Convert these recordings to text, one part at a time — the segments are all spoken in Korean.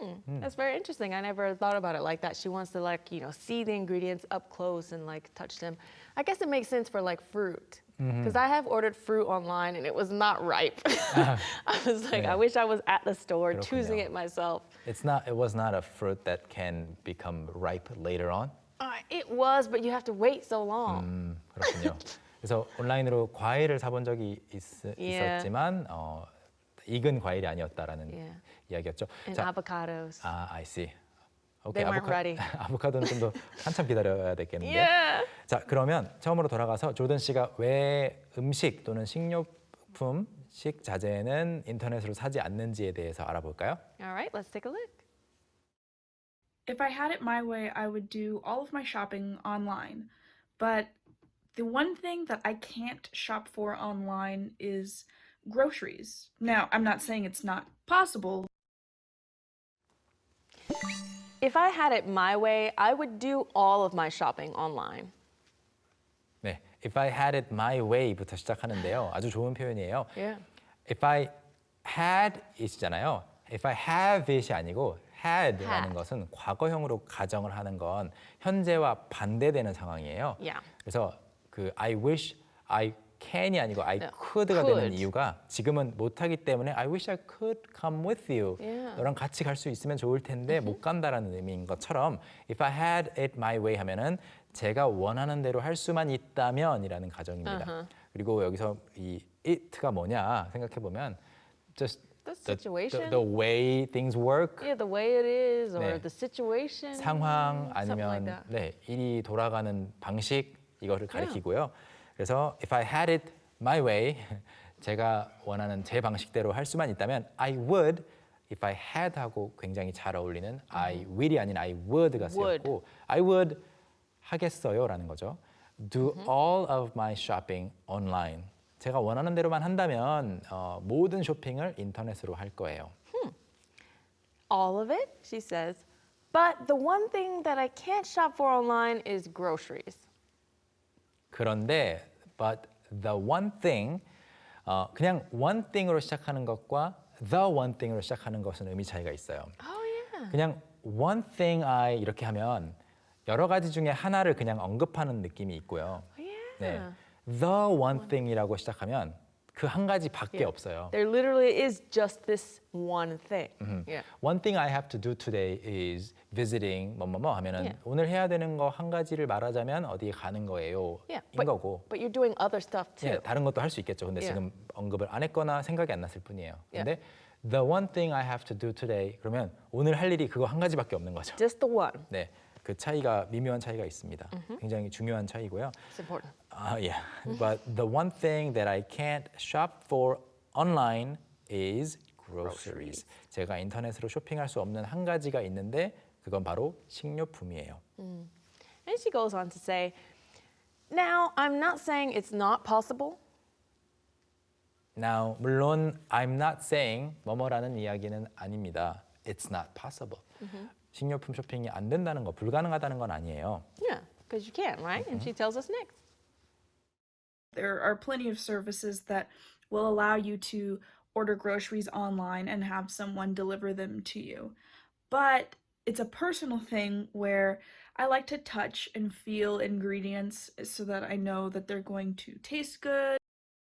That's very interesting. I never thought about it like that. She wants to see the ingredients up close and touch them. I guess it makes sense for fruit. Because I have ordered fruit online and it was not ripe. I was like, 네. I wish I was at the store 그렇군요. choosing it myself. It was not a fruit that can become ripe later on. It was, but you have to wait so long. 그렇군요. 그래서 온라인으로 과일을 사본 적이 있었지만 익은 과일이 아니었다라는 이야기였죠. And avocados. I see. 오케이, They weren't ready. 아보카도는 좀 더 한참 기다려야 되겠는데. Yeah. 자, 그러면 처음으로 돌아가서 조던 씨가 왜 음식 또는 식료품, 식자재는 인터넷으로 사지 않는지에 대해서 알아볼까요? All right, let's take a look. If I had it my way, I would do all of my shopping online. But the one thing that I can't shop for online is groceries. Now, I'm not saying it's not possible. If I had it my way, I would do all of my shopping online. 네, if I had it my way부터 시작하는데요. 아주 좋은 표현이에요. Yeah. If I had it이잖아요. If I have it이 아니고 had라는 것은 과거형으로 가정을 하는 건 현재와 반대되는 상황이에요. Yeah. 그래서 그 I wish I can이 아니고 I could가 could. 되는 이유가 지금은 못하기 때문에 I wish I could come with you. Yeah. 너랑 같이 갈 수 있으면 좋을 텐데 못 간다라는 의미인 것처럼 If I had it my way 하면은 제가 원하는 대로 할 수만 있다면이라는 가정입니다. 그리고 여기서 이 it가 뭐냐 생각해 보면 just The situation. the way things work. Yeah, the way it is, or 네. the situation. 상황 something like 아니면 that. 네, 일이 돌아가는 방식 이거를 가리키고요. 그래서 if I had it my way 제가 원하는 제 방식대로 할 수만 있다면 I would if I had 하고 굉장히 잘 어울리는 I will이 아닌 I would가 쓰였고 I would 하겠어요라는 거죠. Do all of my shopping online. 제가 원하는 대로만 한다면 모든 쇼핑을 인터넷으로 할 거예요. All of it, she says. But the one thing that I can't shop for online is groceries. 그런데 but the one thing 그냥 one thing으로 시작하는 것과 the one thing으로 시작하는 것은 의미 차이가 있어요. Oh, yeah. 그냥 one thing I 이렇게 하면 여러 가지 중에 하나를 그냥 언급하는 느낌이 있고요. Yeah. 네, the one thing이라고 시작하면 그 한 가지밖에 없어요. There literally is just this one thing. Yeah. One thing I have to do today is visiting 뭐뭐뭐 하면은 Yeah. 오늘 해야 되는 거 한 가지를 말하자면 어디에 가는 거예요. Yeah. 인 거고. But you're doing other stuff too. 예, 다른 것도 할 수 있겠죠. 근데 Yeah. 지금 언급을 안 했거나 생각이 안 났을 뿐이에요. Yeah. 근데 the one thing I have to do today 그러면 오늘 할 일이 그거 한 가지밖에 없는 거죠. Just the one. 네, 그 차이가 미묘한 차이가 있습니다. 굉장히 중요한 차이고요. It's important. Yeah, but the one thing that I can't shop for online is groceries. 제가 인터넷으로 쇼핑할 수 없는 한 가지가 있는데 그건 바로 식료품이에요. And she goes on to say, now, I'm not saying it's not possible. Now, 물론 I'm not saying 뭐뭐라는 이야기는 아닙니다. It's not possible. 식료품 쇼핑이 안 된다는 거, 불가능하다는 건 아니에요. Yeah, because you can, right? And she tells us next. There are plenty of services that will allow you to order groceries online and have someone deliver them to you. But it's a personal thing where I like to touch and feel ingredients so that I know that they're going to taste good.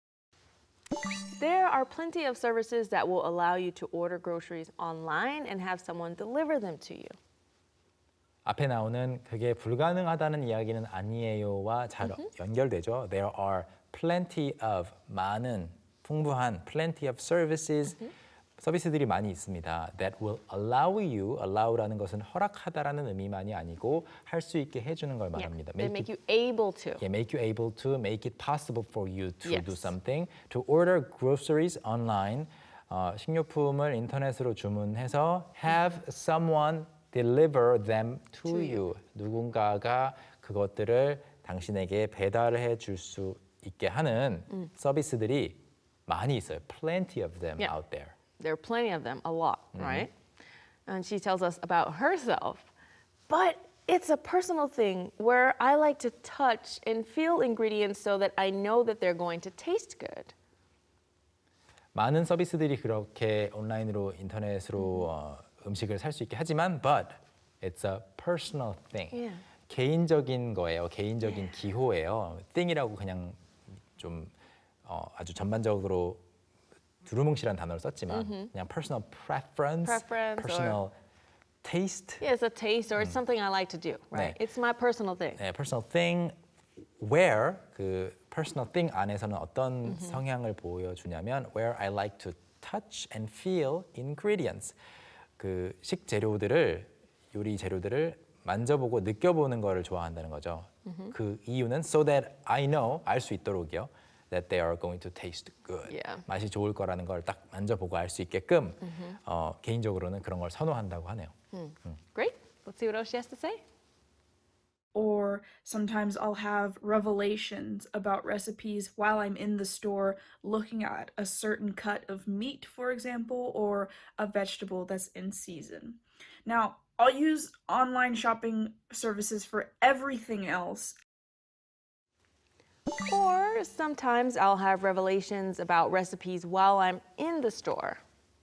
There are plenty of services that will allow you to order groceries online and have someone deliver them to you. 앞에 나오는 그게 불가능하다는 이야기는 아니에요와 잘 연결되죠. There are plenty of 많은 풍부한 plenty of services 서비스들이 많이 있습니다. That will allow you, allow라는 것은 허락하다라는 의미만이 아니고 할 수 있게 해주는 걸 말합니다. They make you able to. Yeah, make you able to, make it possible for you to Yes. do something. To order groceries online, 식료품을 인터넷으로 주문해서 have someone deliver them to you. 누군가가 그것들을 당신에게 배달해 줄 수 있게 하는 서비스들이 많이 있어요. Plenty of them Yeah. out there. There are plenty of them, a lot, right? And she tells us about herself. But it's a personal thing where I like to touch and feel ingredients so that I know that they're going to taste good. 많은 서비스들이 그렇게 온라인으로 인터넷으로 음식을 살 수 있게 하지만 but it's a personal thing. Yeah. 개인적인 거예요. 개인적인 기호예요. thing이라고 그냥 좀 아주 전반적으로 두루뭉실한 단어를 썼지만 그냥 personal preference, Preference personal taste, Yeah, it's a taste or it's something I like to do, right? 네. It's my personal thing. 네, personal thing where 그 personal thing 안에서는 어떤 성향을 보여주냐면 where I like to touch and feel ingredients. 그 식재료들을 요리 재료들을 만져보고 느껴보는 거를 좋아한다는 거죠. 그 이유는 so that I know 알 수 있도록이요. that they are going to taste good. Yeah. 맛이 좋을 거라는 걸 딱 만져보고 알 수 있게끔 개인적으로는 그런 걸 선호한다고 하네요. Great. Let's see what else she has to say. Or sometimes I'll have revelations about recipes while I'm in the store looking at a certain cut of meat, for example, or a vegetable that's in season. Now, I'll use online shopping services for everything else. Or sometimes I'll have revelations about recipes while I'm in the store.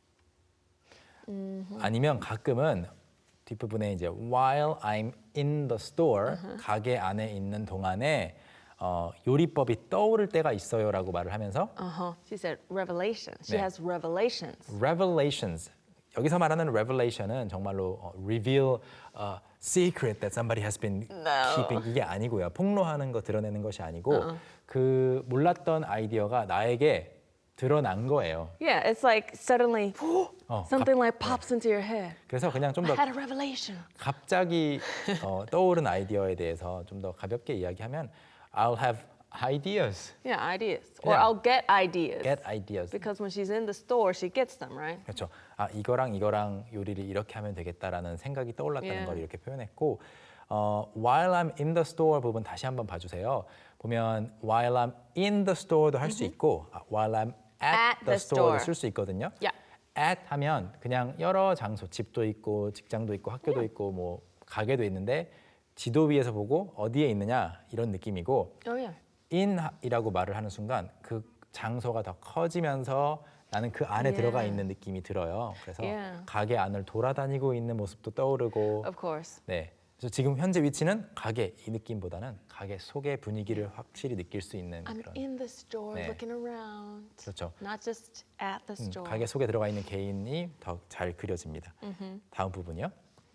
아니면 가끔은 뒷부분에 이제 while I'm in the store 가게 안에 있는 동안에 요리법이 떠오를 때가 있어요라고 말을 하면서 She said revelation. She 네. has revelations. revelations 여기서 말하는 revelation은 정말로 reveal a secret that somebody has been keeping 이게 아니고요. 폭로하는 거 드러내는 것이 아니고 그 몰랐던 아이디어가 나에게 드러난 거예요. Yeah, it's like suddenly something 갑- like pops into your head. 그래서 그냥 좀 I 더 had a revelation. 갑자기 떠오른 아이디어에 대해서 좀 더 가볍게 이야기하면 I'll have ideas, Yeah, ideas. Or Yeah. I'll get ideas. get ideas. Because when she's in the store, she gets them, right? 그렇죠. 아 이거랑 이거랑 요리를 이렇게 하면 되겠다라는 생각이 떠올랐다는 Yeah. 걸 이렇게 표현했고 while I'm in the store 부분 다시 한번 봐주세요. 보면 while I'm in the store도 할 수 있고 while I'm at the store도 쓸 수 있거든요. Yeah. at 하면 그냥 여러 장소, 집도 있고 직장도 있고 학교도 있고 뭐 가게도 있는데 지도 위에서 보고 어디에 있느냐 이런 느낌이고 Oh yeah. in이라고 말을 하는 순간 그 장소가 더 커지면서 나는 그 안에 들어가 있는 느낌이 들어요. 그래서 Yeah. 가게 안을 돌아다니고 있는 모습도 떠오르고 Of course. 네. 그래서 지금 현재 위치는 가게 이 느낌보다는 가게 속의 분위기를 확실히 느낄 수 있는 I'm 그런 in the store 네. looking around. 그렇죠. Not just at the store. 가게 속에 들어가 있는 개인이 더 잘 그려집니다. 다음 부분이요.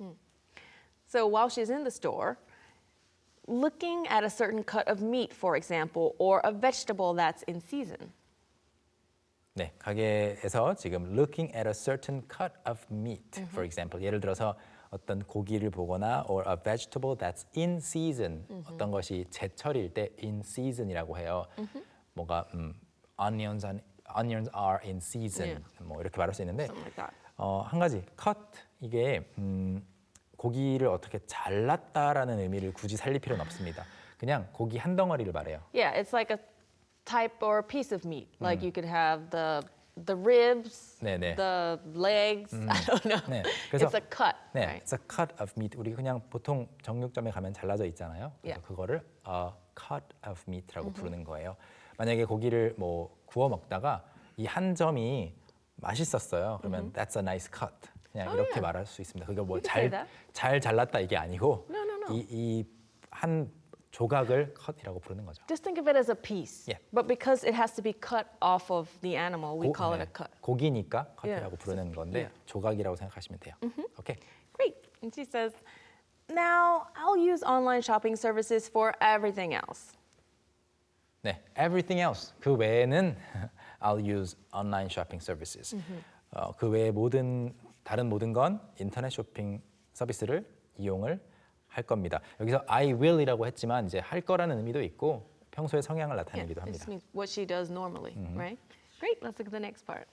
So while she's in the store, looking at a certain cut of meat, for example, or a vegetable that's in season. 네, 가게에서 지금 looking at a certain cut of meat, for example. 예를 들어서 어떤 고기를 보거나 or a vegetable that's in season. 어떤 것이 제철일 때 in season이라고 해요. 뭔가 onions are in season. 뭐 이렇게 말할 수 있는데 Something like that. 한 가지 cut 이게 고기를 어떻게 잘랐다라는 의미를 굳이 살릴 필요는 없습니다. 그냥 고기 한 덩어리를 말해요. Yeah, it's like a type or piece of meat. Like you could have the ribs, 네네. the legs. I don't know. 네, 그래서 It's a cut, 네, right? it's a cut of meat. 우리 그냥 보통 정육점에 가면 잘라져 있잖아요. 그래서 Yeah. 그거를 a cut of meat라고 부르는 거예요. 만약에 고기를 뭐 구워 먹다가 이 한 점이 맛있었어요. 그러면 that's a nice cut. 그냥 이렇게 말할 수 있습니다. 그게 뭐 You can say that. 잘 잘랐다 이게 아니고 No, no, no. 이 한 조각을 cut이라고 부르는 거죠. Just think of it as a piece. Yeah. But because it has to be cut off of the animal, we call it 네, a cut. 고기니까 Yeah. cut이라고 부르는 건데 조각이라고 생각하시면 돼요. 오케이. Great. And she says, now I'll use online shopping services for everything else. 네, everything else 그 외에는 I'll use online shopping services. 그 외에 다른 모든 건 인터넷 쇼핑 서비스를 이용을 할 겁니다. 여기서 I will이라고 했지만 이제 할 거라는 의미도 있고 평소의 성향을 Yeah, 나타내기도 this 합니다. means what she does normally, right? Great. Let's look at the next part.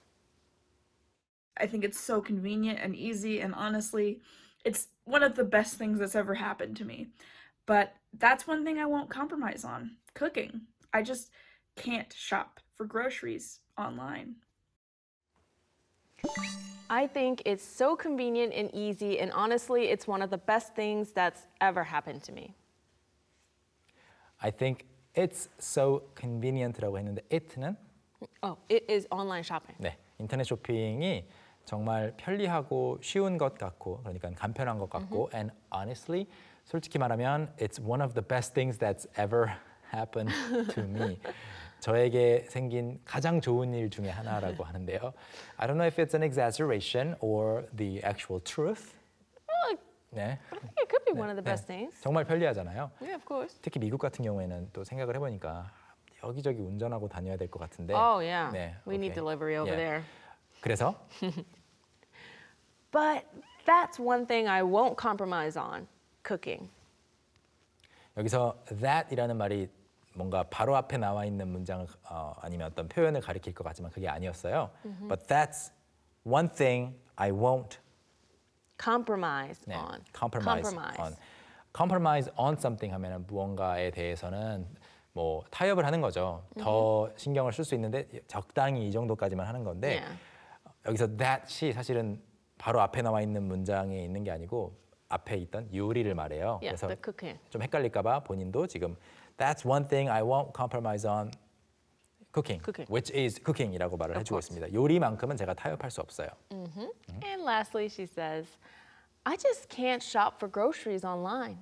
I think it's so convenient and easy, and honestly, it's one of the best things that's ever happened to me. But that's one thing I won't compromise on: cooking. I just can't shop for groceries online. I think it's so convenient and easy, and honestly, it's one of the best things that's ever happened to me. I think it's so convenient라고 했는데 it는 Oh, it is online shopping. 네, 인터넷 쇼핑이 정말 편리하고 쉬운 것 같고 그러니까 간편한 것 같고 and honestly 솔직히 말하면 it's one of the best things that's ever happened to me. 저에게 생긴 가장 좋은 일 중에 하나라고 하는데요. I don't know if it's an exaggeration or the actual truth. 네. I think it could be one of the best things. 정말 편리하잖아요. Yeah, of course. 특히 미국 같은 경우에는 또 생각을 해보니까 여기저기 운전하고 다녀야 될 것 같은데. Oh yeah. 네, We need 오케이. delivery over 예. there. 그래서 But that's one thing I won't compromise on, cooking. 여기서 that이라는 말이 뭔가 바로 앞에 나와 있는 문장을 아니면 어떤 표현을 가리킬 것 같지만 그게 아니었어요. But that's one thing I won't Compromise 네, on. compromise on. Compromise on something 하면은 무언가에 대해서는 뭐 타협을 하는 거죠. 더 신경을 쓸 수 있는데 적당히 이 정도까지만 하는 건데 Yeah. 여기서 that이 사실은 바로 앞에 나와 있는 문장에 있는 게 아니고 앞에 있던 요리를 말해요. Yeah, 그래서 the cooking. 좀 헷갈릴까 봐 본인도 지금 That's one thing I won't compromise on cooking, Cooking. which is cooking이라고 말을 Of 해주고 course. 있습니다. 요리만큼은 제가 타협할 수 없어요. And lastly, she says, I just can't shop for groceries online.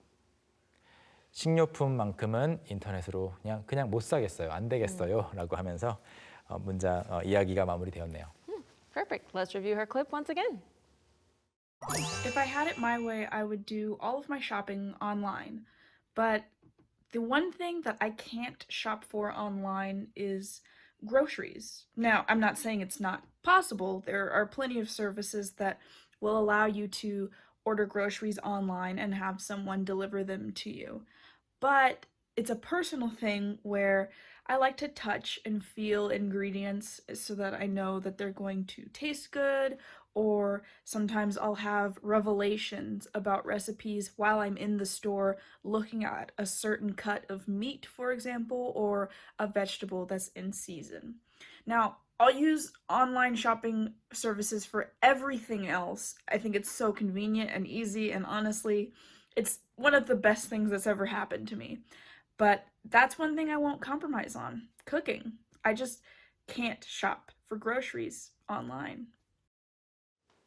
식료품만큼은 인터넷으로 그냥 못 사겠어요. 안 되겠어요라고 하면서 문장 이야기가 마무리되었네요. Perfect. Let's review her clip once again. If I had it my way, I would do all of my shopping online. But the one thing that I can't shop for online is groceries. Now, I'm not saying it's not possible. There are plenty of services that will allow you to order groceries online and have someone deliver them to you. But it's a personal thing where I like to touch and feel ingredients so that I know that they're going to taste good, or sometimes I'll have revelations about recipes while I'm in the store looking at a certain cut of meat, for example, or a vegetable that's in season. Now, I'll use online shopping services for everything else. I think it's so convenient and easy, and honestly, it's one of the best things that's ever happened to me. But that's one thing I won't compromise on, cooking. I just can't shop for groceries online.